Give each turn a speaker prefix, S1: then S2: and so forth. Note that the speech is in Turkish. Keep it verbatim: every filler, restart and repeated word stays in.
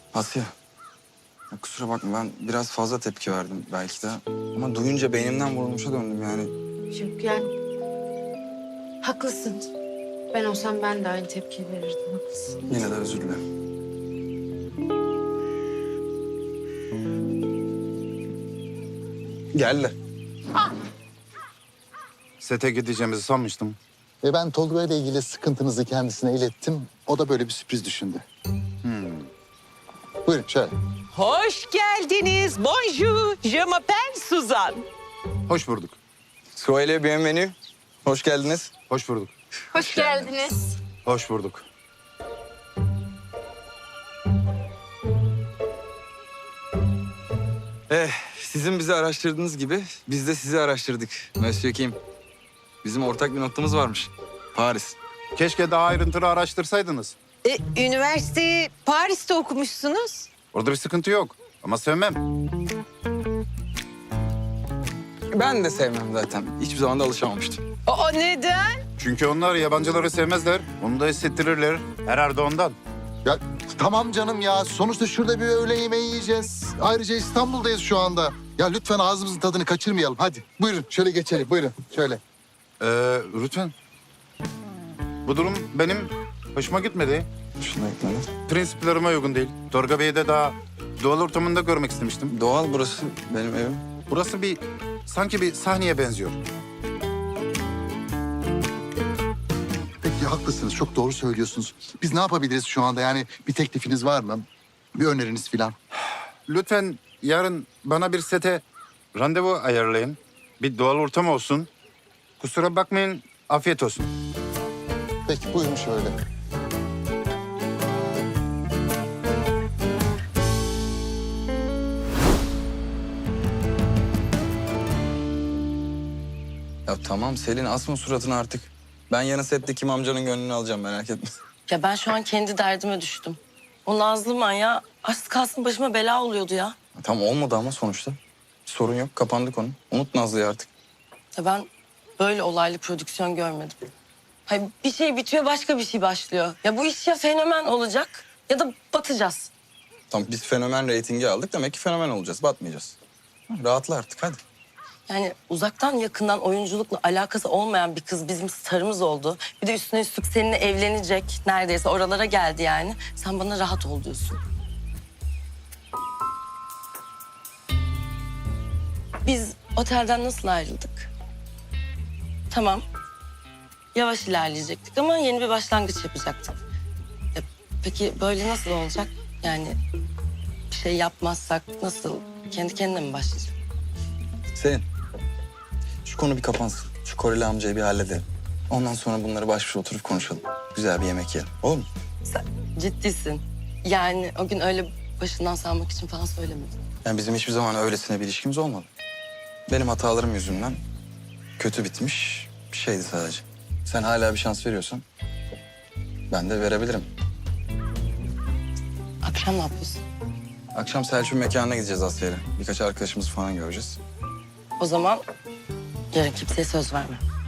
S1: Asya, ya kusura bakma ben biraz fazla tepki verdim belki de. Ama duyunca beynimden vurulmuşa döndüm yani.
S2: Yok yani. Haklısın. Ben olsam ben de aynı tepki verirdim. Haklısın.
S1: Yine de özür dilerim. Geldi.
S3: Sete gideceğimizi sanmıştım.
S4: Ve ben Tolga ile ilgili sıkıntınızı kendisine ilettim. O da böyle bir sürpriz düşündü. Hmm. Buyurun şöyle.
S5: Hoş geldiniz. Bonjour. Je m'appelle Suzan.
S3: Hoş bulduk.
S1: Soyele bienvenue. Hoş geldiniz.
S3: Hoş bulduk.
S2: Hoş geldiniz.
S3: Hoş bulduk.
S1: Eh, sizin bizi araştırdığınız gibi biz de sizi araştırdık. Monsieur Kim. Bizim ortak bir noktamız varmış. Paris.
S3: Keşke daha ayrıntılı araştırsaydınız.
S5: E, üniversiteyi Paris'te okumuşsunuz.
S3: Orada bir sıkıntı yok. Ama sevmem.
S1: Ben de sevmem zaten. Hiçbir zaman da alışamamıştım.
S5: O neden?
S3: Çünkü onlar yabancıları sevmezler. Onu da hissettirirler. Herhalde ondan.
S4: Ya tamam canım ya. Sonuçta şurada bir öğle yemeği yiyeceğiz. Ayrıca İstanbul'dayız şu anda. Ya lütfen ağzımızın tadını kaçırmayalım. Hadi buyurun şöyle geçelim. Buyurun şöyle.
S3: Ee, lütfen. Bu durum benim hoşuma gitmedi.
S1: Şuna gitmedi.
S3: Prensiplerime uygun değil. Tolga Bey'i de daha doğal ortamında görmek istemiştim.
S1: Doğal burası benim evim.
S3: Burası bir sanki bir sahneye benziyor.
S4: Peki haklısınız. Çok doğru söylüyorsunuz. Biz ne yapabiliriz şu anda? Yani bir teklifiniz var mı? Bir öneriniz falan.
S3: Lütfen yarın bana bir sete randevu ayarlayın. Bir doğal ortam olsun. Kusura bakmayın, afiyet olsun.
S4: Peki buyurun şöyle.
S1: Ya tamam Selin asma suratını artık. Ben yarın sette Kim amcanın gönlünü alacağım merak etme.
S6: Ya ben şu an kendi derdime düştüm. O Nazlı manyağı az kalsın başıma bela oluyordu ya.
S1: Tamam olmadı ama sonuçta. Sorun yok kapandık onu. Unut Nazlı'yı artık.
S6: Ya ben böyle olaylı prodüksiyon görmedim. Hayır, bir şey bitiyor başka bir şey başlıyor. Ya bu iş ya fenomen olacak ya da batacağız.
S1: Tamam biz fenomen reytingi aldık demek ki fenomen olacağız batmayacağız. Rahatla artık hadi.
S6: Yani uzaktan yakından oyunculukla alakası olmayan bir kız bizim starımız oldu. Bir de üstüne üstlük seninle evlenecek neredeyse oralara geldi yani. Sen bana rahat ol diyorsun. Biz otelden nasıl ayrıldık? Tamam. Yavaş ilerleyecektik ama yeni bir başlangıç yapacaktık. Ya, peki böyle nasıl olacak? Yani bir şey yapmazsak nasıl? Kendi kendine mi başlayacak?
S1: Selin şu konu bir kapansın. Şu Koreli amcayı bir halledelim. Ondan sonra bunları baş başa oturup konuşalım. Güzel bir yemek yiyelim. Olur mu?
S6: Sen ciddisin. Yani o gün öyle başından salmak için falan söylemedin.
S1: Yani bizim hiçbir zaman öylesine bir ilişkimiz olmadı. Benim hatalarım yüzünden kötü bitmiş bir şeydi sadece. Sen hala bir şans veriyorsan ben de verebilirim.
S6: Akşam ne yapıyorsun?
S1: Akşam Selçuk'un mekanına gideceğiz Asya'yla. Birkaç arkadaşımız falan göreceğiz.
S6: O zaman yarın kimseye söz verme.